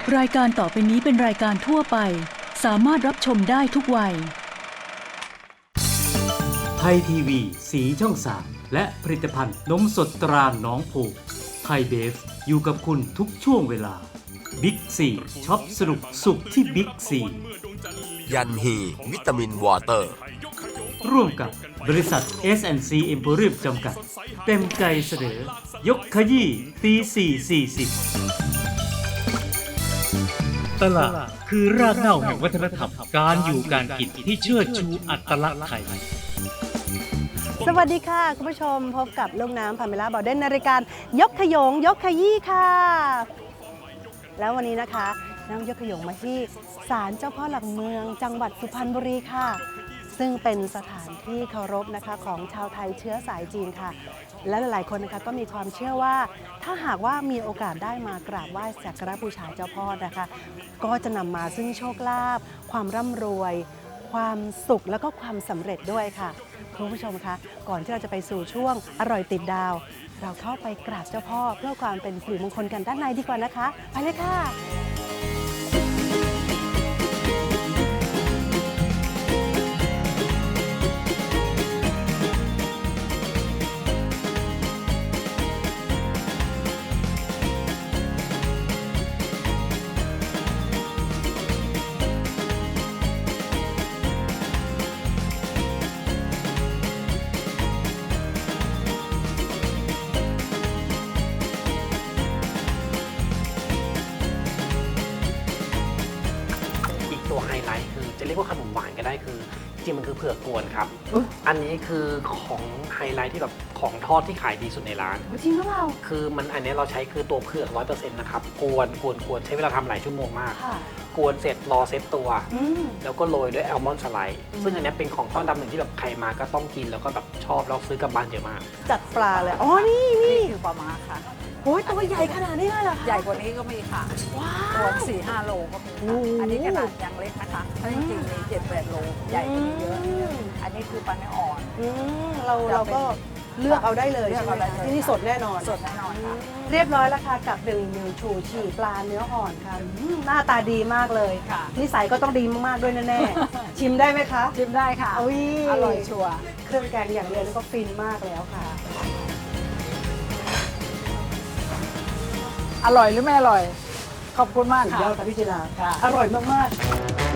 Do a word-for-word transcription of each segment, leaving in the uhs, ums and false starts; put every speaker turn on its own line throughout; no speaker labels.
รายการต่อไปนี้เป็นรายการทั่วไปสามารถรับชมได้ทุกวัย
ไทยทีวีสีช่องสามและผลิตภัณฑ์นมสดตราหนองโพไทยเบฟอยู่กับคุณทุกช่วงเวลาบิ๊กซีช็อปสนุกสุขที่บิ๊กซี
ยันฮีวิตามินวอเตอร์
ร่วมกับบริษัท เอส แอนด์ ซี Emporium จำกัดเต็มใจเสนอยกขยี้ตีสี่สี่สิบตลาดคือรากเหง้าแห่งวัฒนธรรมการอยู่การกินที่เชิดชูอัตลักษณ์ไทย
สวัสดีค่ะคุณผู้ชมพบกับลูกน้ำพาเมล่าบอเดนในรายการยกขยงยกขยี้ค่ะแล้ววันนี้นะคะน้ำยกขยงมาที่ศาลเจ้าพ่อหลักเมืองจังหวัดสุพรรณบุรีค่ะซึ่งเป็นสถานที่เคารพนะคะของชาวไทยเชื้อสายจีนค่ะและหลายๆคนนะคะก็มีความเชื่อว่าถ้าหากว่ามีโอกาสได้มากราบไหว้สักการะบูชาเจ้าพ่อนะคะก็จะนำมาซึ่งโชคลาภความร่ำรวยความสุขแล้วก็ความสำเร็จด้วยค่ะคุณผู้ชมคะก่อนที่เราจะไปสู่ช่วงอร่อยติดดาวเราเข้าไปกราบเจ้าพ่อเพื่อความเป็นสิริมงคลกันด้านในดีกว่านะคะไปเลยค่ะ
ไฮไลท์คือจะเรียกว่าขนมหวานก็ได้คือจริงมันคือเผือกกวนครับอันนี้คือของไฮไลท์ที่แบบของทอดที่ขายดีสุดในร้าน
จริงหรือเปล่า
คือมันอันนี้เราใช้คือตัวเผือก ร้อยเปอร์เซ็นต์ นะครับกวนกวนกวนใช้เวลาทำหลายชั่วโมงมากกวนเสร็จรอเซตตัวแล้วก็โรยด้วยแอลมอนด์สไลด์ซึ่งอันนี้เป็นของทอดดำหนึ่งที่แบบใครมาก็ต้องกินแล้วก็แบบชอบแล้วซื้อกลับบ้านเยอะมาก
จัดปลาเลยอ๋อนี่นี่
คือปลาม้าค่ะ
โอ้ยตัวใหญ่ขนาดนี้เลยเหรอคะ
ใหญ่กว่านี้ก็มีค่ะตัวสี่ห้าโลก็มีค่ะอันนี้ขนาดยังเล็กนะคะถ้าจริงๆมีเจ็ดแปดโลใหญ่กว่านี้เยอะอันนี้คือปลาเนื้ออ่อน
เราเราก็เลือกเอาได้เลยใช่ไหมที่นี่สดแน่นอน
สดแน่นอนค่ะ
เรียบร้อยแล้วค่ะกับหนึ่งมิวชูชีปลาเนื้ออ่อนค่ะหน้าตาดีมากเลยนิสัยก็ต้องดีมากๆด้วยแน่ๆชิมได้ไหมคะ
ชิมได้ค่ะอร่อยชัวร์
เครื่องแกงอย่างเดียวก็ฟินมากแล้วค่ะ
อร่อยหรือไม่อร่อยขอบคุณมากค่ะ
สุดยอดค่ะพี่จิราอร่อยมากๆ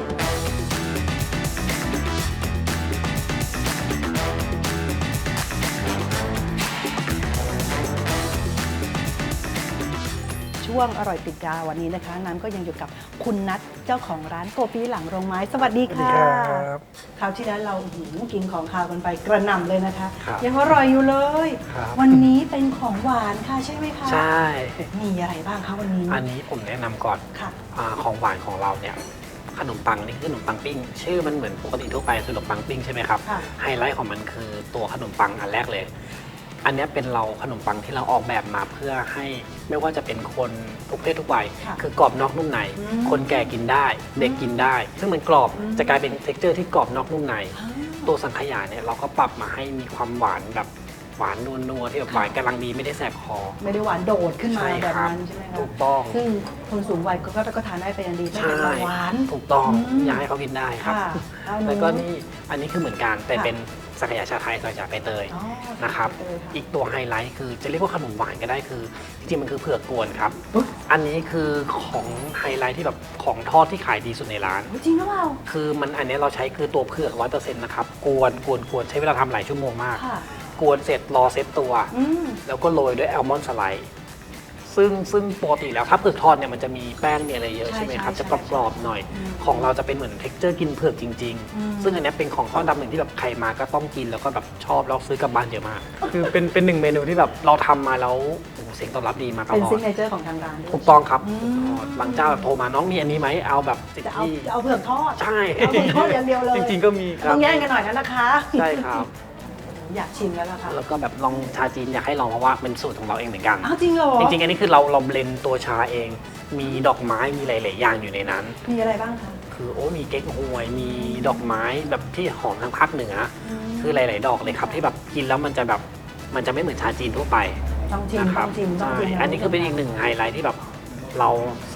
ช่วงอร่อยติดดาววันนี้นะคะน้ำก็ยังอยู่กับคุณนัทเจ้าของร้านโกปีหลังโรงไม้สวัสดีค่ะคราวที่แล้วเรากินของคาวกันไปกระหน่ำเลยนะคะยังอร่อยอยู่เลยวันนี้เป็นของหวานค่ะใช่ไหมคะ
ใช่
มีอะไรบ้างคะวันนี้
อันนี้ผมแนะนำก่อนของหวานของเราเนี่ยขนมปังนี่คือขนมปังปิ้งชื่อมันเหมือนปกติทั่วไปคือขนมปังปิ้งใช่ไหมครับไฮไลท์ของมันคือตัวขนมปังอันแรกเลยอันนี้เป็นเราขนมปังที่เราออกแบบมาเพื่อให้ไม่ว่าจะเป็นคนทุกเพศทุกวัยคือกรอบนอกนุ่มในคนแก่กินได้เด็กกินได้ซึ่งมันกรอบจะกลายเป็นเท็กเจอร์ที่กรอบนอกนุ่มในตัวสังขยาเนี่ยเราก็ปรับมาให้มีความหวานแบบหวานนัวๆที่แบบหวานกำลังดีไม่ได้แสบคอ
ไม่ได้หวานโดดขึ้นมาแบบนั้นใช่ไหมคะ
ถูกต้อง
ซึ่งคนสูงวัยก็ก็ทานได้เป็นอย่างดีไม่เป็นหวาน
ถูกต้องอยากให้เขากินได้ครับแล้วก็นี่อันนี้คือเหมือนกันแต่เป็นสังขยาชาไทยใส่จากใบเตยนะครับอีกตัวไฮไลท์คือจะเรียกว่าขนมหวานก็ได้คือจริงๆมันคือเผือกกวนครับอันนี้คือของไฮไลท์ที่แบบของทอดที่ขายดีสุดในร้าน
จริงหรือเปล่า
คือมันอันนี้เราใช้คือตัวเผือก ร้อยเปอร์เซ็นต์ นะครับกวนกวนกวนใช้เวลาทำหลายชั่วโมงมากกวนเสร็จรอเซตตัวแล้วก็โรยด้วยแอลมอนด์สไลด์ซึ่งซึ่งปกติแล้วถ้าเผือกทอดเนี่ยมันจะมีแป้งมีอะไรเยอะใช่ไหมครับจะกรอบๆหน่อยของเราจะเป็นเหมือนเท็กเจอร์กินเผือกจริงๆซึ่งอันนี้เป็นของทอดดำหนึ่งที่แบบใครมาก็ต้องกินแล้วก็แบบชอบแล้วซื้อกลับบ้านเยอะมากคือเป็นเป็นหนึ่งเมนูที่แบบเราทำมาแล้วเสียงตอบรับดีมาตลอด
เป็นซิกเนเจอร์ของทางร้าน
ถูกต้องครับบางเจ้าแบบโทรมาน้องมีอันนี้ไหมเอาแบบ
ติดที่จะเอาเผือกทอด
ใช่
เอาเผือกทอดอย่างเดียวเลย
จริงๆก็มี
ต้องแย่งกันหน่อยนะนะคะ
ใช่ครับ
อยากชิมแล้วล่ะค่ะ
แล้วก็แบบลองชาจีนอยากให้ลองเพราะว่าเป็นสูตรของเราเองเหมือนกัน
อ้าวจริงเหรอ
จริงๆอันนี้คือเราเราเบลนด์ตัวชาเองมีดอกไม้มีหลายๆอย่างอยู่ในนั้น
มีอะไรบ้างคะ
คือโอ้มีเก๊กฮวยมีดอกไม้แบบที่หอมทางภาคเหนือคือหลายๆดอกเลยครับที่แบบกินแล้วมันจะแบบมันจะไม่เหมือนชาจีนทั่วไป
ต้องชิมต้องชิมต้องชิม
อันนี้คือเป็นอีกหนึ่งไฮไลท์ที่แบบเราเสิร์ฟ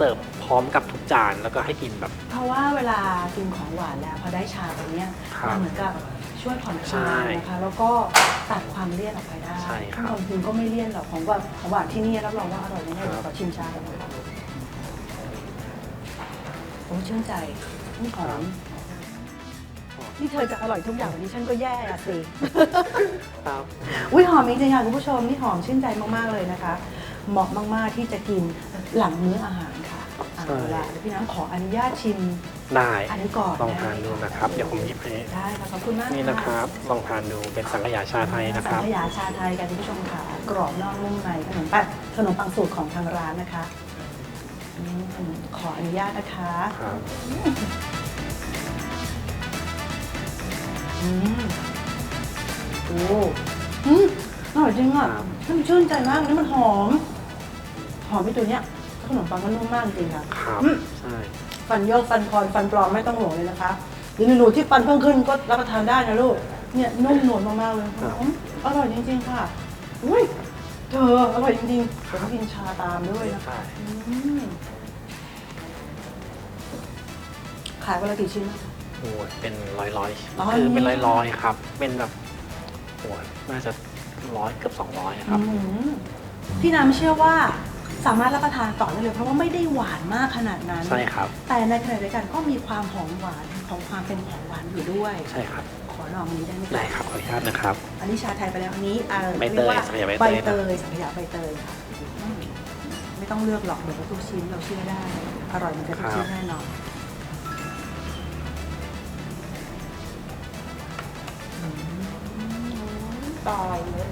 พร้อมกับทุกจานแล้วก็ให้กินแบบ
เพราะว่าเวลากินของหวานแล้วพอได้ชาแบบเนี้ย
ครับ
มันเหมือนกับช่วยผ่อนค
ใช่
ลายนะคะแล้วก็ตัดความเลี่ยนออกไปได้
ใช่ครับ
ความจริงก็ไม่เลี่ยนหรอกของหวานของหวานที่นี่รับรองว่าอร่อยแน่ๆ
ครับ
เดี๋ยวขอชิมชาก่อนนะคะโอ้ชื่นใจนี่หอมนี่เธอจะอร่อยทุกอย่างวันนี้ฉันก็แย่อะสิ
ครับ
อุ้ยหอมจริงๆค่ะคุณผู้ชมนี่หอมชื่นใจมากๆเลยนะคะ เหมาะมากๆที่จะกินหลังมื้ออาหารค่ะเอาละเดี๋ยวพี่น้ำขออนุญาตชิม
ได้
อันนี้ก่อน
ลองทานดูนะครับ เดี๋ยวผมหยิบให้
ได้ค่ะขอบคุณมาก
นี่นะครับลองทานดูเป็นสังขยาชาไทยนะค
สั
รับ
งขยาชาไทยกันคุณผู้ชมค่ะกรอบนอกนุ่มในขนมปังขนมปังสูตรของทางร้านนะคะอืมขออนุญาตนะคะ
ครับ
อืมโอ้อืมอร่อยจริงอ่ะมันชื่นใจมากนี่มันหอม หอมไปตัวเนี้ยขนมปังก็นุ่มมากจริงค่ะ
ครับ
อืม
ใช่
ฟันโยกฟันคอนฟันปลอมไม่ต้องห่วงเลยนะคะหรือหนูที่ฟันเพิ่มขึ้นก็รับประทานได้นะลูกเนี่ยนุ่มหนวลมากๆเลยหอมอร่อยจริงๆค่ะอุ้ยเธออร่อยจริงๆผมกินชาตามด้วยนะคะ
ใช่
อืมขายวันละกี่ชิ้นนะคะ
โอ้ยเป็นร้อยร้อย
อ๋อ
คือเป็นร้อยร้อยๆครับ เป็นแบบโอ้ยน่าจะร้อยเกือบสองร้อยครับ
อืมพี่น้ำเชื่อว่าสามารถรับประทานต่อได้เลยเพราะว่าไม่ได้หวานมากขนาดนั้น
ใช่ครับ
แต่ในขณะเดียวกันก็มีความหอมหวานของความเป็นของหวานอยู่ด้วย
ใช่ครับ
ขอลองอันนี้ได้ไหมคะ
ได้ครับขออนุญาตนะครับ
อันนี้ชาไทยไปแล้วอันนี้อ่า
ใบเตย
รีกว่า
สังขยาใบ
ใบ
เตย
เตยสังขยาใบเตยค่ะอืมไม่ต้องเลือกหรอกเดี๋ยวทุกชิ้นเราเชื่อได้ อร่อยเหมันจะทุกชิ้นแน่นอนอืมตายเลย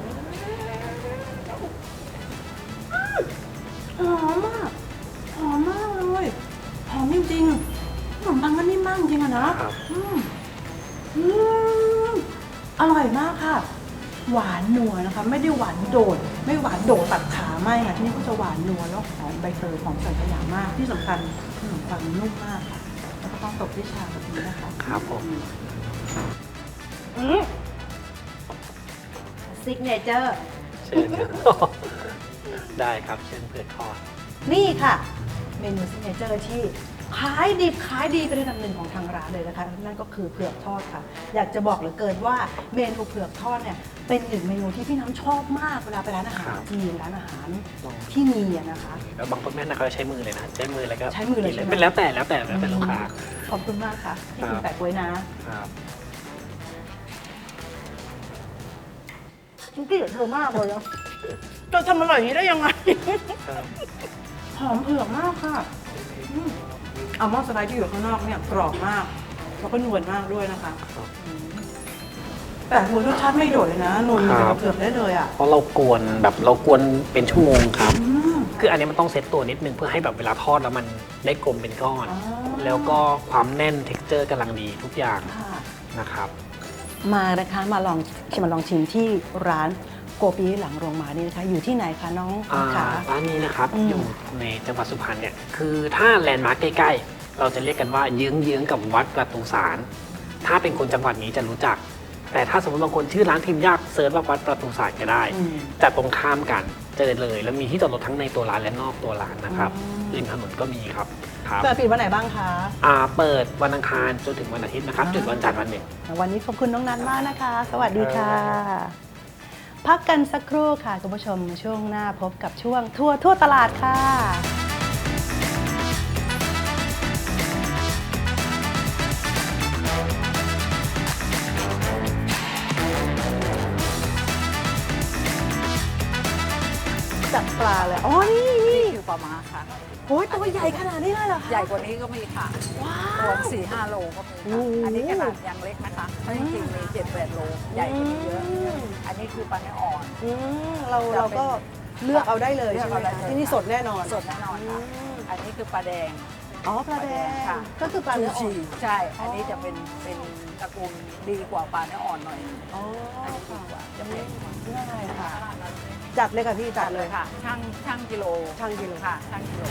หอมมากหอมมากเลยหอมจริงๆขนมปังก็นิ่มมากจริงอะนะครับ อืมอืมอร่อยมากค่ะ หวานนัวนะคะ ไม่ได้หวานโดด ไม่หวานโดดตัดขาไม่ค่ะที่นี่ก็จะหวานนัวแล้วหอมใบเตยหอมสังขยามากที่สำคัญขนมปังนุ่มมากค่ะแล้วก็ต้องตบด้วยชาแบบนี้นะคะ
ครับผม
ซิกเนเจอร์
เชิญครับ ได้ครับเชิญเผือกทอด
นี่ค่ะ เมนูซิกเนเจอร์ที่ขายดิบขายดีเป็นอันดับหนึ่งของทางร้านเลยนะคะนั่นก็คือเผือกทอดค่ะ อยากจะบอกเหลือเกินว่าเมนูเผือกทอดเนี่ยเป็นหนึ่งเมนูที่พี่น้ำชอบมากเวลาไปร้านอาหาร
ครับ
จีนร้านอาหาร
ลอง
ที่มีอะนะคะ
แล้วบางคนแม่นะเขาจะใช้มือเลยนะ ใช้มือแล้วก็
ใช้มือเลย
กิน
ใช่ไหม
เป็นแล้วแต่แล้วแต่แล้วแต่ลูกค้า
ขอบคุณมากค่ะที่
ครั
คุณ
บ
แปะไว้นะ
ครับ
ฉันเกลียดเธอมากเลยนะจะทำอร่อยอย่างนี้ได้ยังไง
ครับ
หอมเผือกมากค่ะอืมอัลมอนด์สไลด์ที่อยู่ข้างนอกเนี่ยกรอบมาก แล้วก็นวลมากด้วยนะคะอืมแต่หัวรสชาติไม่โดดเลยนะนวลเหมือนกับเผือกได้เลยอ่ะ
เพราะเรากวนแบบเรากวนเป็นชั่วโมงครับ
อืม
คืออันนี้มันต้องเซตตัวนิดนึงเพื่อให้แบบเวลาทอดแล้วมันได้กลมเป็นก้อน
อ๋อ
แล้วก็ความแน่น texture กำลังดีทุกอย่าง
ค่ะ
นะครับ
มานะคะมาลองมาลองชิมที่ร้านโกปีหลังโรงหมานี่นะคะ อยู่ที่ไหนคะน้อง
อ่า
ขา
ร้านนี้นะครับ
อืม
อยู่ในจังหวัดสุพรรณเนี่ยคือถ้าแลนด์มาร์คใกล้ๆ เราจะเรียกกันว่าเยื้องๆกับวัดประตูสารถ้าเป็นคนจังหวัดนี้จะรู้จัก แต่ถ้าสมมติบางคนชื่อร้านพิมพ์ยากเซิร์ชว่าวัดประตูสารก็ได้
อืม
แต่ตรงข้ามกันเจอเลย แล้วมีที่จอดรถทั้งในตัวร้านและนอกตัวร้านนะครับ
อืม
ริมถนนก็มีครับครับ
เปิดปิดวันไหนบ้างคะ
อ่าเปิดวันอังคารจนถึงวันอาทิตย์นะครับ จุดวันจันทร์วันหนึ่ง
วันนี้ขอบคุณน้องนัทมากนะคะ สวัสดีค่ะ พักกันสักครู่ค่ะคุณผู้ชมช่วงหน้าพบกับช่วงทั่วทั่วตลาดค่ะ จับปลาเลย อ๋อ นี่นี่
นี่คือปลาม้าค่ะ
โอ้ยตัวใหญ่ขนาดนี้เลยเหรอคะ
ใหญ่กว่านี้ก็มีค่ะ
ว้า
ตัว
ว
สี่ห้าโลก็มี
โอ้
ค่ะ
โห
อันนี้ขนาดยังเล็กนะคะเพราะจริงๆมีเจ็ดแปดโล ใหญ่กว่านี้เยอะ
อืม
อันนี้คือปลาเนื้ออ่อน
อืมเรา
จะเป็น
เราก็เลือกเอาได้เลย
เลือ
ใช่
ก
ไหม
เอาได้
คะ
เลย
ที่นี่สดแน่นอน
สดแน่นอนค่ะ
อืม
อันนี้คือปลาแดง
อ๋อปลาแดง
ค่ะ
ก็คือปลาเนื้ออ่อน
ใช่ อันนี้จะเป็นเป็นตระกูลดีกว่าปลาเนื้ออ่อนหน่อย
อ๋อ
อันนี้ดีกว่าจะเป็น
ได้ค่ะ จัดเลยค่ะพี่จั
จั
ด
ด
เล
เลย ยค่ะ ช่างช่างกิโล
ช่างกิโล
ค่ะ ช่างกิโล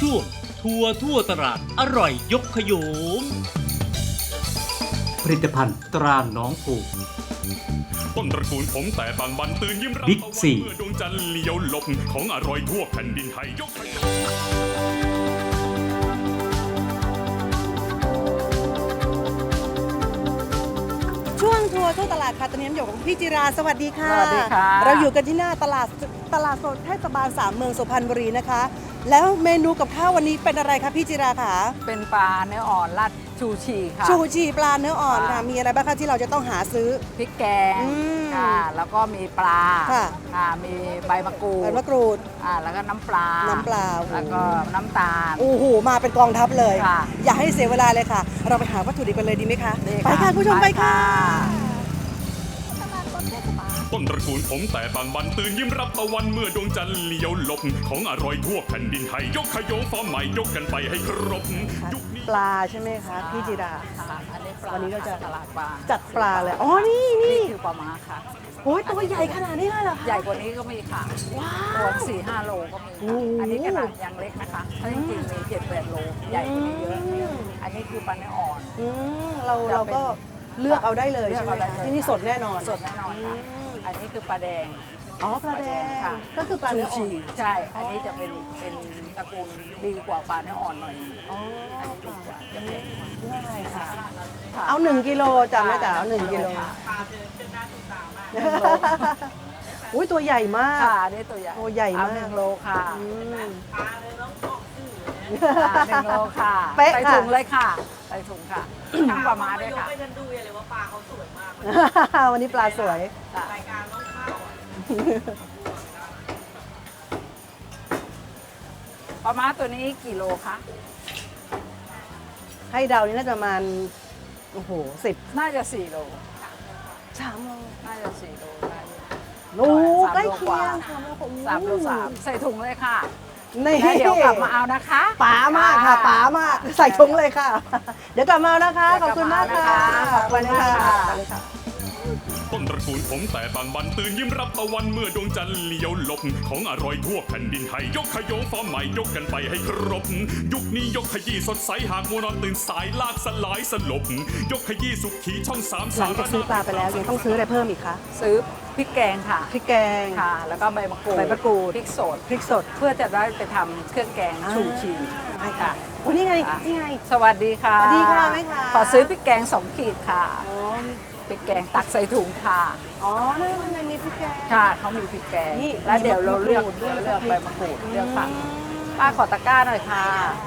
ช่วงทัวร์ทั่วตลาดอร่อยยกขยงผลิตภัณฑ์ตราหนองผูก
ต้นตระกูลผมแต่บางบันตื่นยิ้มรับ
บิ๊กซี
เมื่อดวงจันทร์เลี้ยวหลบของอร่อยทั่วแผ่นดินไทยยกขยง
ช่วงทัวร์ทั่วตลาดค่ะตอนนี้อยู่กับพี่จิราสวัสดีค่ะ
สวัสดีค่ะ
เราอยู่กันที่หน้าตลาดตลาดสดเทศบาลสามเมืองสุพรรณบุรีนะคะ แล้วเมนูกับข้าววันนี้เป็นอะไรคะพี่จิราคะ
เป็นปลาเนื้ออ่อนราดชูชีค่ะ
ชูชีปลาเนื้ออ่อนค่ะ
ค่ะ
มีอะไรบ้างคะที่เราจะต้องหาซื้อ
พริกแกง
อืม
ค่ะ แล้วก็มีปลา
ค่ะ
อ่ามีใบมะกรู
ใบ
ด
มะกรูด
อ่าแล้วก็น้ำปลา
น้ำปลา
แล้วก็น้ำตาล
โอ้โหมาเป็นกองทัพเลย
ค่ะ
อย่าให้เสียเวลาเลยค่ะ เราไปหาวัตถุดิบกันเลยดีไหมคะ
ดี
ไปค่ะคุณผู้ชมไปค่ะ
ต้นตระกูลผมแต่บางบันตื่นยิ้มรับตะวันเมื่อดวงจันทร์เลี้ยวหลบของอร่อยทั่วแผ่นดินไทยยกขยงฟอร์มใหม่ยกกันไปให้ครบยุคนี้
ปลาใช่ไหมคะพี่จิรา
ค่ะอันนี้ปลา
วันนี้เราจะ
ตลาดปลา
จัดปลาเลยอ๋อนี่นี่
นี่คือปลาม้าค่ะ
โอ้ยตัวใหญ่ขนาดนี้เลยเหรอคะ
ใหญ่กว่านี้ก็มีค่ะตัวสี่ห้าโลก็มี
โอ้
ค่ะ
โห
อันนี้ขนาดยังเล็กนะคะถ้าจริงๆมีเจ็ดแปดโลใหญ่กว่านี้เยอะ
อืม
อันนี้คือปลาเนื้ออ่อน
อืมเรา
จะเป็น
เราก็เลือกเอาได้เลย
เลือก
ใช่ไหม
เอาได้
คะ
เลย
ที่นี่สดแน่นอน
สดแน่นอนค่ะ
อืม
อันนี้คือปลาแดง
อ๋อปลาแดง
ค่ะ
ก็คือปลาเนื้ออ่อน
ชูชีใช่ อันนี้จะเป็นเป็นตระกูลดีกว่าปลาเนื้ออ่อนหน่อย
อ๋อ
อันนี้ดีกว่าจะเป็น
ได้ค่ะ
ค่ะ
เอาหนึ่งกิโลจำได้แต่เอาหนึ่งกิโล
ค่ะ
อุ้ยตัวใหญ่มาก
ค่ะอันนี่ตัวใหญ่
โอ้ใหญ่มาก
เอหนึ่งโลค่ะ
อืม
ค่ะหนึ่งโลค่ะ
เป๊ะ
ใส่
ค่ะ
ถุงเลยค่ะใส่ถุงค่ะทั้งปลาม้าด้วยค่ะ
วันนี้ปลาสวย
ค่ะปลาม้าตัวนี้กี่โลคะ
ให้เดานี่น่าจะประมาณโอ้โหสิบ
น่าจะสี่โล
สามโล
น่าจะสี่โลได้อยู่
โอ้
สาม
ใกล้
โล
เคี
กว่าย
งสามโลกว่า
สามโลสามใส่ถุงเลยค่ะ
นี่
แล้วเดี๋ยวกลับมาเอานะคะ
ป๋ามากค่ะป๋ามากใส่ถุงเลยค่ะ เดี๋ยวกลับมาเอานะคะ ขอบคุณมากค่ะ
ขอบคุณค่ะ
ขอบคุณค่ะ
ต้นตระกูลผมแต่บางบันตื่นยิ้มรับตะวันเมื่อดวงจันทร์เลี้ยวหลบของอร่อยทั่วแผ่นดินไทยยกขยงฟอร์มใหม่ยกกันไปให้ครบยุคนี้ยกขยี้สดใสหากมัวนอนตื่นสายลากสลายสลบยกขยี้สุขีช่องสาม
หลังจากซื้อปลาไปแล้วยังต้องซื้ออะไรเพิ่มอีกคะ
ซื้อพริกแกงค่ะ
พริกแกง
ค่ะ แล้วก็ใบมะกรูด
ใบมะกรูด
พริกสด
พริกสด
เพื่อจะได้ไปทำเครื่องแกงชูชี
ใช่ค่ะโอ้นี่ไงนี่ไง
สวัสดีค่ะ
สวัสดีค่ะแม่ค้า
ขอซื้อพริกแกงสองขีดค่ะ
อ๋อ
พริกแกงตักใส่ถุงค่ะ
อ๋อนี่มันยังมีพริกแกง
ค่ะเขามีพริกแกง
นี่
แล้วเดี๋ยวเราเลือก
มะกรูดด้วย
เลือกใบมะกรูดเลือกผักป้าขอตะกร้าหน่อยค่ะ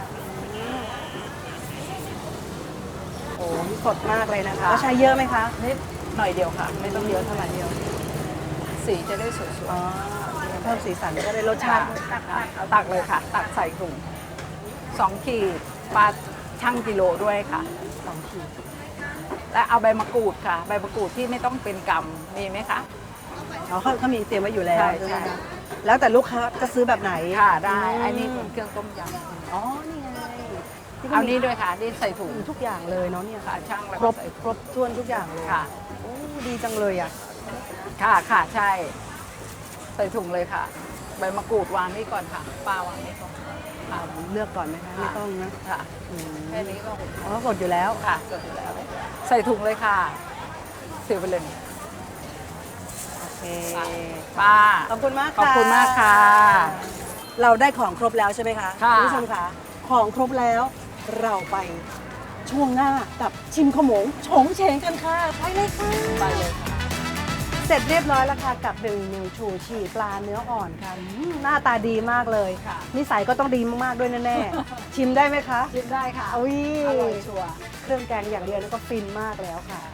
โอ้นี่สดมากเลยนะคะแล้วใช้เยอะไหมคะ
นิดหน่อยเดียวค่ะ ไม่ต้องเยอะเท่าไหร่เดียว สีจะได้สวย
อ๋อเพิ่มสีสันก็ได้รส
ๆ
ชา
ค่ะ
ติ
ตักเอาตักเลยค่ะ ตักใส่ถุงสองขีดปลาชั่งกิโลด้วยค่ะ
สองขีด
และเอาใบมะกรูดค่ะ ใบมะกรูดที่ไม่ต้องเป็นกำมีไหมคะ
อ๋อเขาเขามีเตรียมไว้อยู่แล้ว
ใช่
ใช่ไหม
ใช่
คะแล้วแต่ลูกค้าจะซื้อแบบไหน
ค่ะได้
ม
อันนี้เป็นเครื่องต้มยำ
อ๋อนี่ไงที่
เอา
มี
นี้ด้วยค่ะนี่ใส่ถุง
ทุกอย่างเลยเนาะเนี่ย
ค่ะช่างแล้ว
คร
ก็
บ
ใส่
ครบถ้วนทุกอย่างเลย
ค่ะ
โอ้ดีจังเลยอ่ะ
ค่ะค่ะใช่ ใส่ถุงเลยค่ะ ใบมะกรูดวางนี่ก่อนค่ะป้าวางนี่ก่อนค่ะ
เลือกก่อนไหมคะไม่ต้องนะ
ค่ะ
อืม
แค่นี้ก็
อ๋อกดอยู่แล้ว
ค่ะจบอยู่แล้ว ใส่ถุงเลยค่ะเสียไปเลย
โอเค
ป้า
ขอบคุณมาก
ขอบคุณมากค่ะ
เราได้ของครบแล้วใช่ไหมคะ
ค่ะ
ณผู้ชมคะของครบแล้วเราไปช่วงหน้ากับชิมขโมงโฉงเฉงกันค่ะไปเลยค่ะ
ไปเลยค่ะ
เสร็จเรียบร้อยแล้วค่ะกับหนึ่งหนึ่งชูชีปลาเนื้ออ่อนค่ะอืมหน้าตาดีมากเลย
ค่ะ
นิสัยก็ต้องดีมากๆด้วยแน่ๆ ชิมได้ไหมคะ
ชิมได้ค่ะ
อุ้ย
อร่อยชัวร์
เครื่องแกงอย่างเดียวนี่ก็ฟินมากแล้วค่ะ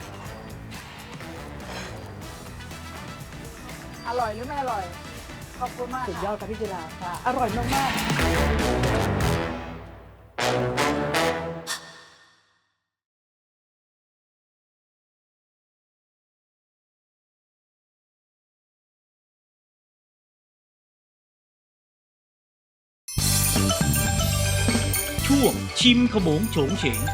อร่อยหรือไม่อร่อย ขอบคุณมาก
สุด
ค่ะ
ยอดค่ะพี่จิรา
ค่ะ
อร่อยมากๆ
ช่วงชิมขโมงโฉงเฉง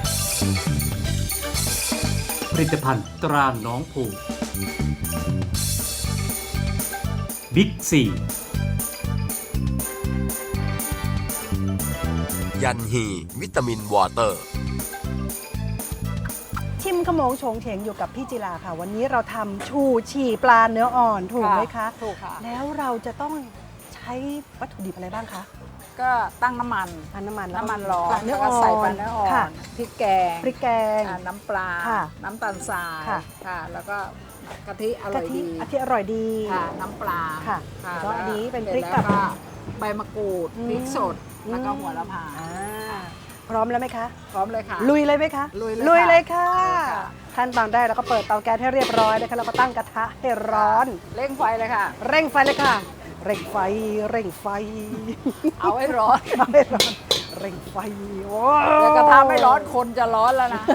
ผลิตภัณฑ์ตราหนองผูบิ๊กซี
ยันฮีวิตามินวอเตอร์
ชิมขโมงโฉงเฉงอยู่กับพี่จิราค่ะ วันนี้เราทำชูชีปลาเนื้ออ่อนถูกไหมคะ
ถูกค่ะ
แล้วเราจะต้องใช้วัตถุดิบอะไรบ้างคะ
ก็ตั้งน้ำมัน
อันน้ำมันแล้ว
น้ำมันร้อน
ปลาเนื้อ
แล้ว
อ่
ก็
อน
ใส่ปลาเนื้ออ่อ
ค่ะ
นพริกแกง
พริกแกง
อ่าน้ำปลา
ค่ะ
น้ำตาลทราย
ค่ะ
ค่ะ แล้วก็กะทิอร่
กะ
อย
ทิ
ดี
อาทิอร่อยดี
ค่ะน้ำปลา
ค่ะ
ค่ะ
แล้วก็อันนี้เป็น
ส
พริก
แล้
กับ
วก็ใบมะกรูด
อืม
พริกสดแล้วก็
อืม
หัวละพา
อ่าพร้อมแล้วไหมคะ
พร้อมเลยค่ะ
ลุยเลยไหมคะ
ลุยเลย
ลุย
ค่ะ
เลยค่ะ
ลุยค่ะ
ขั้นตอนแรกเราก็เปิดเตาแก๊สให้เรียบร้อยนะคะแล้วก็ตั้งกระทะให้ร้อน
เร่งไฟเลยค่ะ
เร่งไฟเลยค่ะ เร่งไฟ เร่งไฟ
เอาให้ร้อน
เอาให้ร้อน เร่งไฟโอ้
เดี๋ยวกระทะไม่ร้อนคนจะร้อนแล้วนะ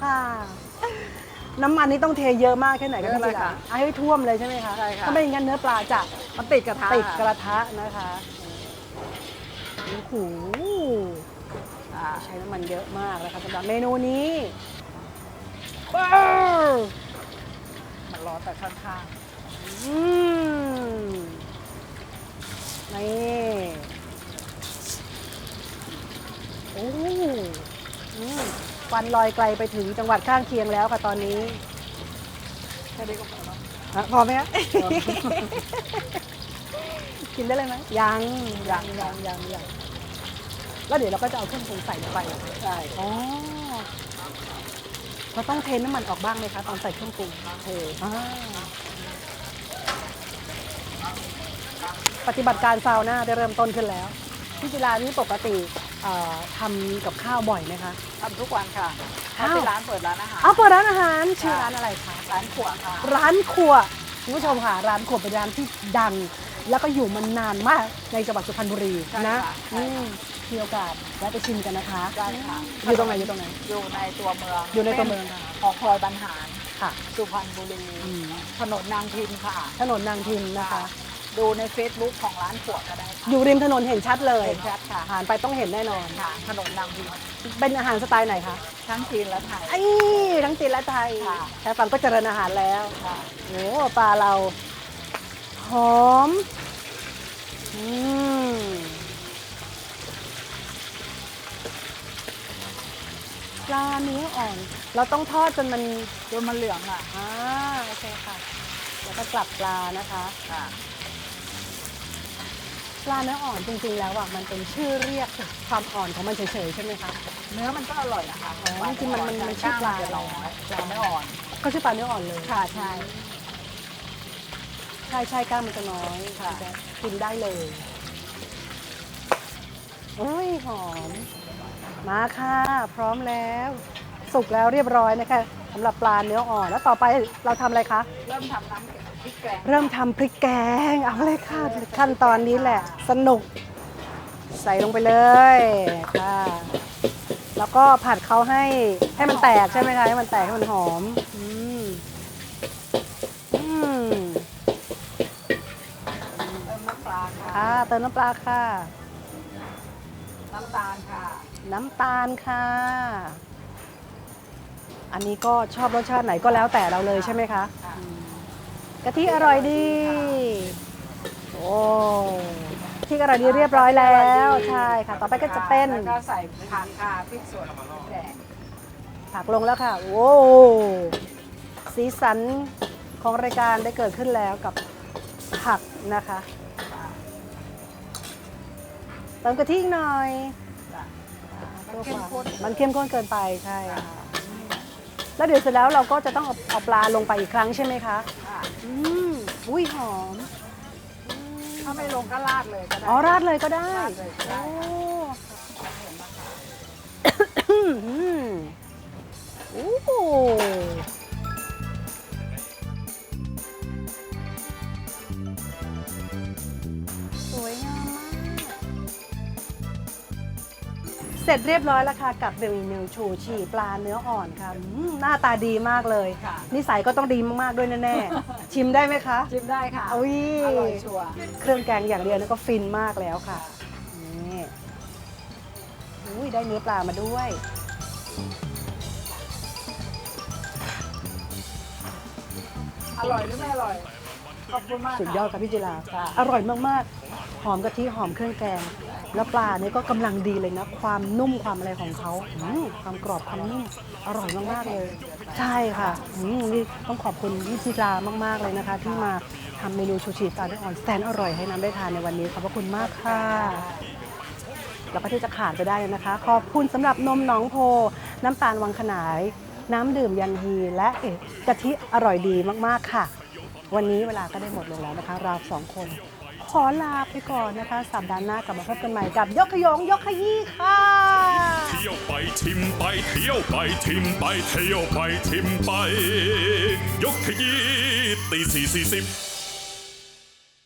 น้ำมันนี่ต้องเทเยอะมากแค่ไหนก็
เย
พี่
อะเล
จิ
ย
รา
ค่ะ
เอาให้ท่วมเลยใช่ไหมคะ
ใช่ค่ะ
ถ้าไม่อย่างนั้นเนื้อปลาจะ
มันติดกระทะ
ติดกระทะนะคะโอ้โห
อ่า
ใช้น้ำมันเยอะมากนะคะสำหรับเมนูนี้ว้าว
มันร้อนแต่ข้าง
อืมนี่โอ้อืมควันลอยไกลไปถึงจังหวัดข้างเคียงแล้วค่ะตอนนี้
ๆแค่นี้ก็พอแล้ว
อ่ะพอไหมคะ กินได้เลยไหมยังยังยังยังยังแล้วเดี๋ยวเราก็จะเอาเครื่องปรุงใส่ลงไป
ใช่
อ๋อเราต้องเทน้ำมันออกบ้างไหมคะตอนใส่เครื่องปรุง
เท
อ่าปฏิบัติการซาวน่าได้เริ่มต้นขึ้นแล้วพี่จิรานี่ปกติเอ่อทำกับข้าวบ่อยไหมคะ
ทำทุกวันค่ะ
อ้าว
ถ้าที่ร้านเปิดร้านอาหาร
เอาเปิดร้านอาหารชื่อร้านอะไรคะ
ร้านขวดค่ะ
ร้านครัวคุณผู้ชมค่ะร้านครัวเป็นร้านที่ดัง แล้วก็อยู่มานานมากในจังหวัดสุพรรณบุรี
ใช่
นะ
ค่ะ
อืมมีโอกาสแวะไปชิมกันนะคะ
ได้ค่ะ
อยู่ตรงไหนอยู่ตรงไหน
อยู่ในตัวเมือง
อยู่ในตัวเมืองค่ะ
ของพลอยบรรหาร
ค่ะ
สุพรรณบุรี
อืม
ถนนนางพิมค่ะ
ถนนนางพิมพ์นะคะ
ดูใน Facebook ของร้านขวดก็ได้ค่ะ
อยู่ริมถนนเห็นชัดเลย
เห็นชัดค่ะ
ผ่านไปต้องเห็นแน่นอน
ค่ะ ถนนนางพิมพ์
เป็นอาหารสไตล์ไหนคะ
ทั้งจีนและไทย
ไอ้ทั้งจีนและไทย
ค่ะ
แค่ฟังก็เจริญอาหารแล้ว
ค่ะ
โอ้ปลาเราหอมอืมปลาเนื้ออ่อน เราต้องทอดจนมัน
จนมันเหลืองอ่ะ
อ่าโอเคค่ะ แล้วก็กลับปลานะคะ
ค่ะ
ปลาเนื้ออ่อนจริงๆแล้วอ่ะมันเป็นชื่อเรียกความอ่อนของมันเฉยๆใช่ไหมคะ
เนื้อมันก็อร่อยนะคะ
อ๋อจริงๆมันมันมันชื่อปลา
จะน้อยปลาไม่อ่อน
ก็ชื่อปลาเนื้ออ่อนเลย
ค่ะใช่
ใช่ใช่กล้างมันจะน้อย
ค่ะ
จะกินได้เลยโอ้ยหอม มาค่ะ พร้อมแล้ว สุกแล้วเรียบร้อยนะคะสำหรับปลาเนื้ออ่อนแล้วต่อไปเราทำอะไรคะ
เริ่มทำน้ำพริกแกง
เริ่มทำพริกแกงเอาเลยค่ะขั้นตอนนี้แหละ สนุก ใส่ลงไปเลยค่ะแล้วก็ผัดเขาให้ให้มันแตกใช่ไหมคะให้มันแตกให้มันหอมอืมอืม
เติมน้ำปลาค่ะ
ค่ะเติมน้ำปลาค่ะ
น้ำตาลค่ะ
น้ำตาลค่ะ อันนี้ก็ชอบรสชาติไหนก็แล้วแต่เราเลยใช่ไหมคะ
ค่ะ
กะทิอร่อยดี โอ้กะทิอร่อยดีเรียบร้อยแล้ว ใช่ค่ะ ต่อไปก็จะเป็น
แล้วก็ใส่ผักค่ะพริกสดพริกแดง
ผักลงแล้วค่ะ โอ้สีสันของรายการได้เกิดขึ้นแล้วกับผักนะคะ เติมกะทิอีกหน่อย
มันเข้มข้น
มันเข้มข้นเกินไปใช่ค่ะ แล้วเดี๋ยวเสร็จแล้วเราก็จะต้องเอาเอาปลาลงไปอีกครั้งใช่ไหมคะ
ค่ะ
อืมอุ้ยหอม
ถ้าไม่ลงก็ราดเลยก็ได้
อ๋อราดเลยก็ได้
ราดเลยก็ได้
โอ้อืมโอ้โหสวยงามมาก เสร็จเรียบร้อยแล้วค่ะกับเมนูชูชีปลาเนื้ออ่อนค่ะอืมหน้าตาดีมากเลย
ค่ะ
นิสัยก็ต้องดีมากๆด้วยแน่ๆ ชิมได้ไหมคะ
ชิมได้ค่ะ
อุ้ย
อร่อยชัวร์
เครื่องแกงอย่างเดียวนี่ก็ฟินมากแล้วค่ะ นี่อุ้ยได้เนื้อปลามาด้วย
อร่อยหรือไม่อร่อย
อ
ขอบคุณมาก
สุดยอดค่ะพี่จิรา
ค่ะ
อร่อยมากๆ หอมกะทิหอมเครื่องแกง แล้วปลาเนี่ยก็กำลังดีเลยนะ ความนุ่มความอะไรของเขาอืมความกรอบความนุ่มอร่อยมากๆเลย ใช่ค่ะอืมนี่ต้องขอบคุณพี่จิรามากๆเลยนะคะ ที่มาทำเมนูชูชีปลาด้วยอ่อนแสนอร่อยให้น้ำได้ทานในวันนี้ขอบพระคุณมากค่ะ แล้วก็ที่จะขาดไปได้เลยนะคะ ขอบคุณสำหรับนมหนองโพ น้ำตาลวังขนาย น้ำดื่มยันฮีและเอกกะทิอร่อยดีมากๆค่ะ วันนี้เวลาก็ได้หมดลงแล้วนะคะ เราสองคน ขอลาไปก่อนนะคะสัปดาห์หน้ากลับมาพบกันใหม่กับยกขยงยกขยี้ค่ะ
เที่ยวไปชิมไปเที่ยวไปชิมไปเที่ยวไปชิมไป ยกขยี้ตีสี่สี่สิบ